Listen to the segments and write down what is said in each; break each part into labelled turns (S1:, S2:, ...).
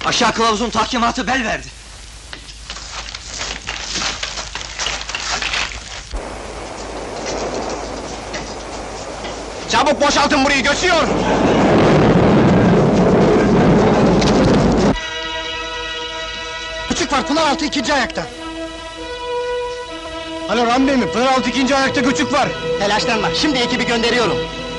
S1: Aşağı kılavuzun tahkimatı bel verdi.
S2: Çabuk boşaltın burayı, göçüyor!
S3: Küçük var, Pınaraltı ikinci ayakta. Alo Rami Bey mi? Pınaraltı ikinci ayakta göçük var.
S2: Telaşlanma, şimdi ekibi gönderiyorum.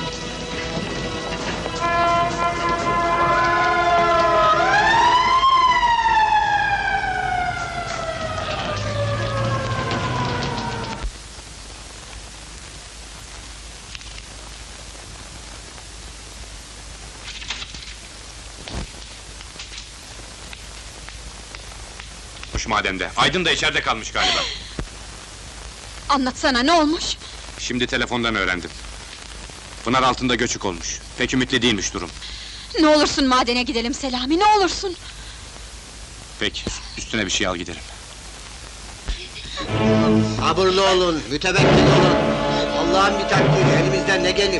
S4: Mademde, Aydın da içeride kalmış galiba.
S5: Anlatsana, ne olmuş?
S4: Şimdi telefondan öğrendim. Pınar altında göçük olmuş. Pek ümitli değilmiş durum.
S5: Ne olursun madene gidelim Selami, ne olursun!
S4: Peki, üstüne bir şey al gidelim.
S2: Sabırlı olun, mütevekkil olun. Allah'ın bir takdiri, elimizden ne gelir?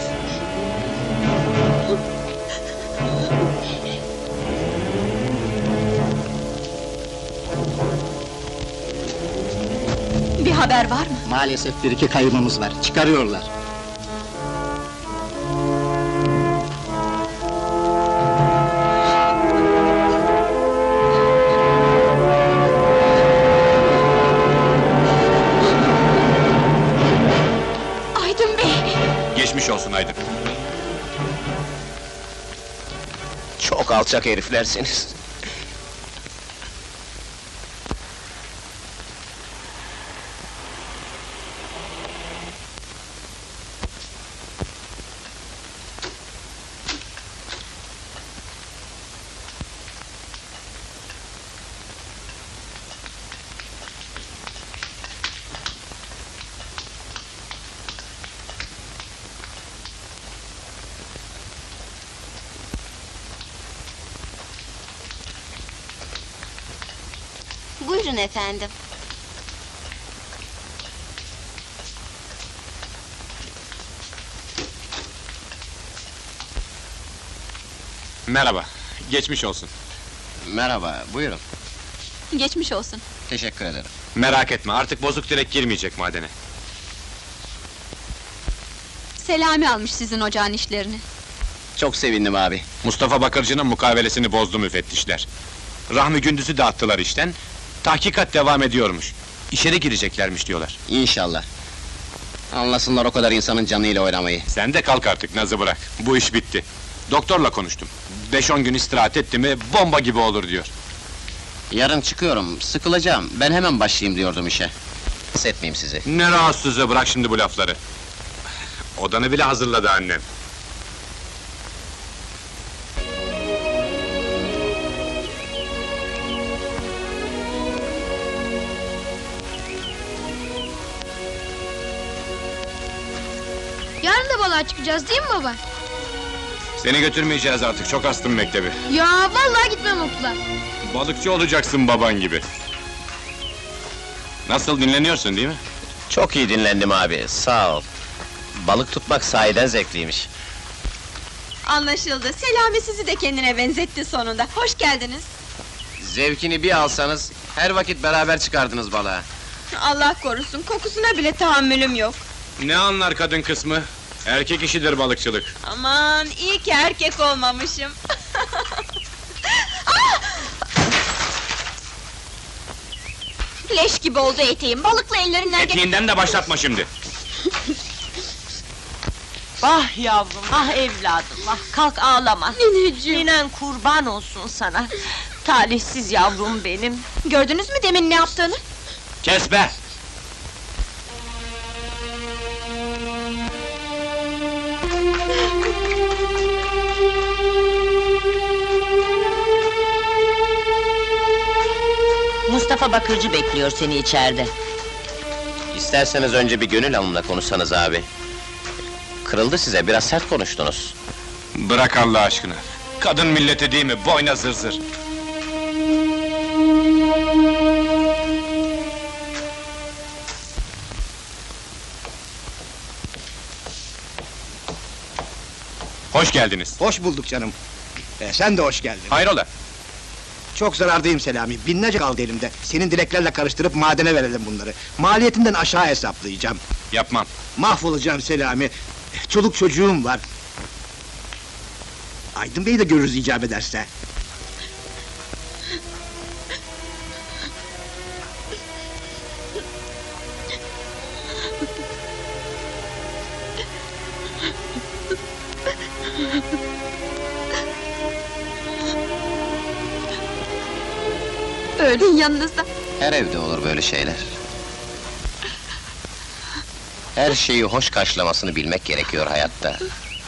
S5: Bir haber var mı?
S2: Maalesef bir iki kaybımız var, çıkarıyorlar.
S5: Aydın Bey!
S4: Geçmiş olsun Aydın.
S2: Çok alçak heriflersiniz.
S6: Buyurun efendim.
S4: Merhaba, geçmiş olsun.
S2: Merhaba, buyurun.
S5: Geçmiş olsun.
S2: Teşekkür ederim.
S4: Merak etme, artık bozuk direk girmeyecek madene.
S5: Selami almış sizin ocağın işlerini.
S2: Çok sevindim abi.
S4: Mustafa Bakırcı'nın mukavelesini bozdu müfettişler. Rahmi Gündüz'ü de attılar işten, tahkikat devam ediyormuş. İçeri gireceklermiş diyorlar.
S2: İnşallah. Anlasınlar o kadar insanın canıyla oynamayı.
S4: Sen de kalk artık, nazı bırak. Bu iş bitti. Doktorla konuştum. 5-10 gün istirahat etti mi, bomba gibi olur diyor.
S2: Yarın çıkıyorum, sıkılacağım. Ben hemen başlayayım diyordum işe. Hissetmeyeyim sizi.
S4: Ne rahatsızlığı, bırak şimdi bu lafları. Odanı bile hazırladı annem.
S7: Yarın da balığa çıkacağız değil mi baba?
S4: Seni götürmeyeceğiz artık, çok astım mektebi.
S7: Ya vallahi gitmem okula.
S4: Balıkçı olacaksın baban gibi. Nasıl, dinleniyorsun değil mi?
S2: Çok iyi dinlendim abi, sağ ol. Balık tutmak sahiden zevkliymiş.
S5: Anlaşıldı, Selami sizi de kendine benzetti sonunda. Hoş geldiniz.
S2: Zevkini bir alsanız, her vakit beraber çıkardınız balığa.
S5: Allah korusun, kokusuna bile tahammülüm yok.
S4: Ne anlar kadın kısmı? Erkek işidir balıkçılık.
S5: Aman, iyi ki erkek olmamışım. Leş gibi oldu eteğim, balıkla ellerinden
S4: Etiğinden de başlatma şimdi.
S8: Ah yavrum, ah evladım, ah kalk ağlama!
S5: Nineciğim!
S8: Ninen kurban olsun sana! Talihsiz yavrum benim!
S5: Gördünüz mü demin ne yaptığını?
S4: Kes be!
S8: Mustafa Bakırcı bekliyor seni içeride.
S2: İsterseniz önce bir Gönül Hanım'la konuşsanız abi. Kırıldı size, biraz sert konuştunuz.
S4: Bırak Allah aşkına! Kadın milleti değil mi, boyna zır. Hoş geldiniz.
S3: Hoş bulduk canım. Sen de hoş geldin.
S4: Hayrola?
S3: Çok zarardayım Selami, binlerce kaldı elimde. Senin dileklerle karıştırıp madene verelim bunları. Maliyetinden aşağı hesaplayacağım.
S4: Yapmam.
S3: Mahvolacağım Selami. Çoluk çocuğum var. Aydın Bey'i de görürüz icap ederse.
S5: Öldün yanınızda.
S2: Her evde olur böyle şeyler. Her şeyi hoş karşılamasını bilmek gerekiyor hayatta.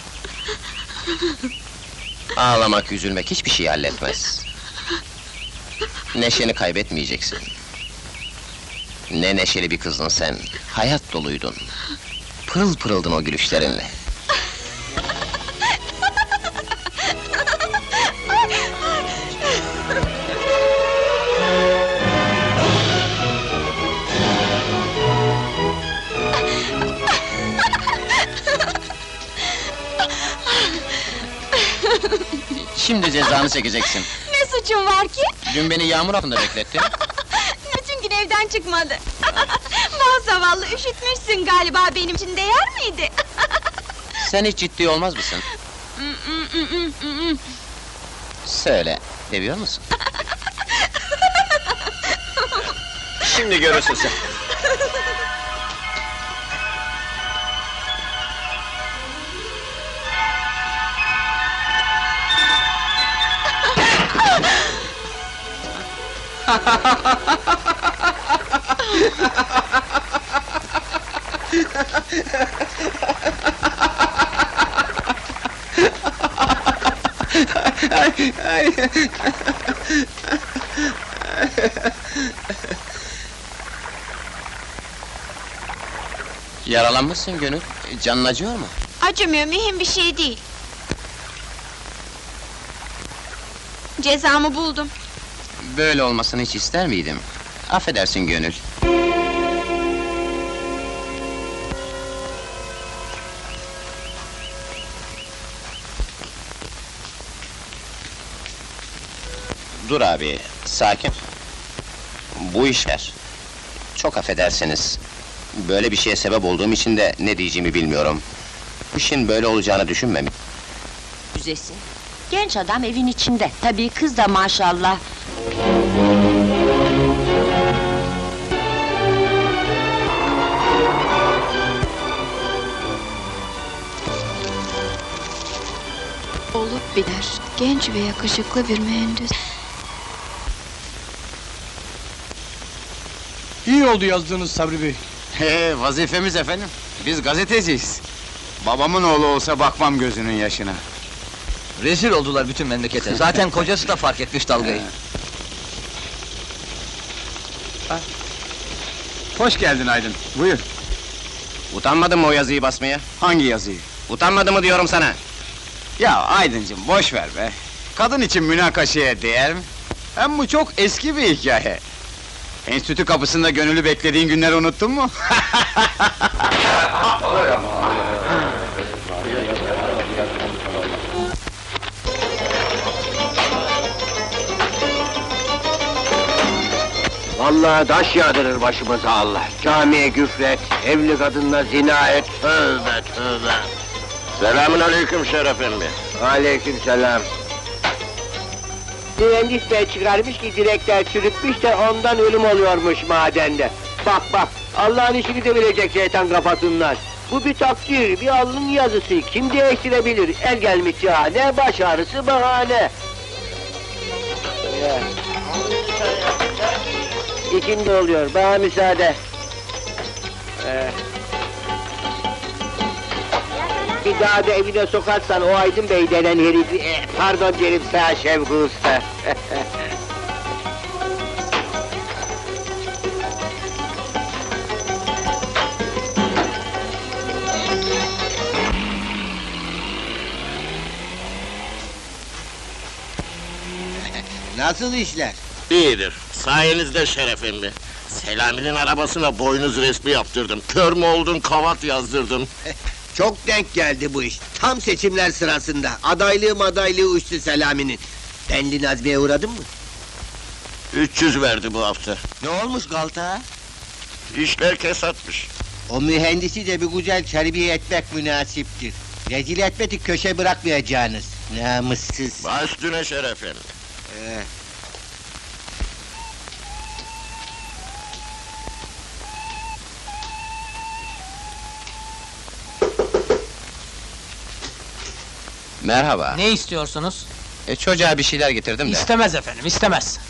S2: Ağlamak, üzülmek hiçbir şey halletmez. Neşeni kaybetmeyeceksin. Ne neşeli bir kızdın sen, hayat doluydun. Pırıl pırıldın o gülüşlerinle. Şimdi cezanı çekeceksin.
S5: Ne suçum var ki?
S2: Dün beni yağmur altında beklettin.
S5: Bütün gün evden çıkmadı. Vah zavallı, üşütmüşsün galiba, benim için değer miydi?
S2: Sen hiç ciddi olmaz mısın? Söyle, seviyor musun? Şimdi görürsün sen. Yaralanmışsın Gönül, canın acıyor mu?
S6: Acımıyor, mühim bir şey değil. Cezamı buldum.
S2: Böyle olmasını hiç ister miydim? Affedersin Gönül. Dur abi, sakin. Bu işler. Çok affedersiniz. Böyle bir şeye sebep olduğum için de ne diyeceğimi bilmiyorum. Bu işin böyle olacağını düşünmem.
S8: Müzesi. Genç adam evin içinde. Tabii kız da maşallah.
S7: Olup biter. Genç ve yakışıklı bir mühendis.
S3: İyi oldu yazdığınız Sabri Bey.
S4: Vazifemiz efendim. Biz gazeteciyiz. Babamın oğlu olsa bakmam gözünün yaşına.
S1: Rezil oldular bütün memlekete. Zaten kocası da fark etmiş dalgayı.
S4: Hoş geldin Aydın, buyur.
S2: Utanmadın mı o yazıyı basmaya?
S4: Hangi yazıyı?
S2: Utanmadın mı diyorum sana?
S4: Ya Aydıncığım, boş ver be! Kadın için münakaşaya değer mi? Hem bu çok eski bir hikaye. Enstitü kapısında Gönül'ü beklediğin günleri unuttun mu?
S9: Vallahi taş yağdırır başımıza Allah. Camiye güfret, evli kadınla zina et, tövbe tövbe!
S2: Selamün aleyküm Şeref emmi.
S9: Aleykümselam. Mühendis bey çıkarmış ki direkler çürükmüş de ondan ölüm oluyormuş madende. Bak bak, Allah'ın işini de bilecek şeytan kafasından. Bu bir takdir, bir alnın yazısı, kim değiştirebilir? El gelmiş cihane, baş ağrısı bahane. Ya. İkindi oluyor, bana müsaade. Bir daha da evine sokarsan o Aydın Bey denen herifi... pardon derim sana Şevki Usta.
S3: Nasıl işler?
S9: İyidir, sayenizde Şeref emmi. Selami'nin arabasına boynuz resmi yaptırdım. Kör mü oldun, kavat yazdırdım.
S10: Çok denk geldi bu iş. Tam seçimler sırasında. Adaylığı uçtu Selami'nin. Benli Nazmi'ye uğradın mı?
S11: 300 verdi bu hafta.
S10: Ne olmuş Galta?
S11: İşler kesatmış.
S10: O mühendisi de bir güzel terbiye etmek münasiptir. Rezil etmedik köşe bırakmayacağınız. Namussuz.
S11: Baş üstüne şerefin.
S2: Merhaba.
S1: Ne istiyorsunuz?
S2: Çocuğa bir şeyler getirdim de.
S1: İstemez efendim, istemez.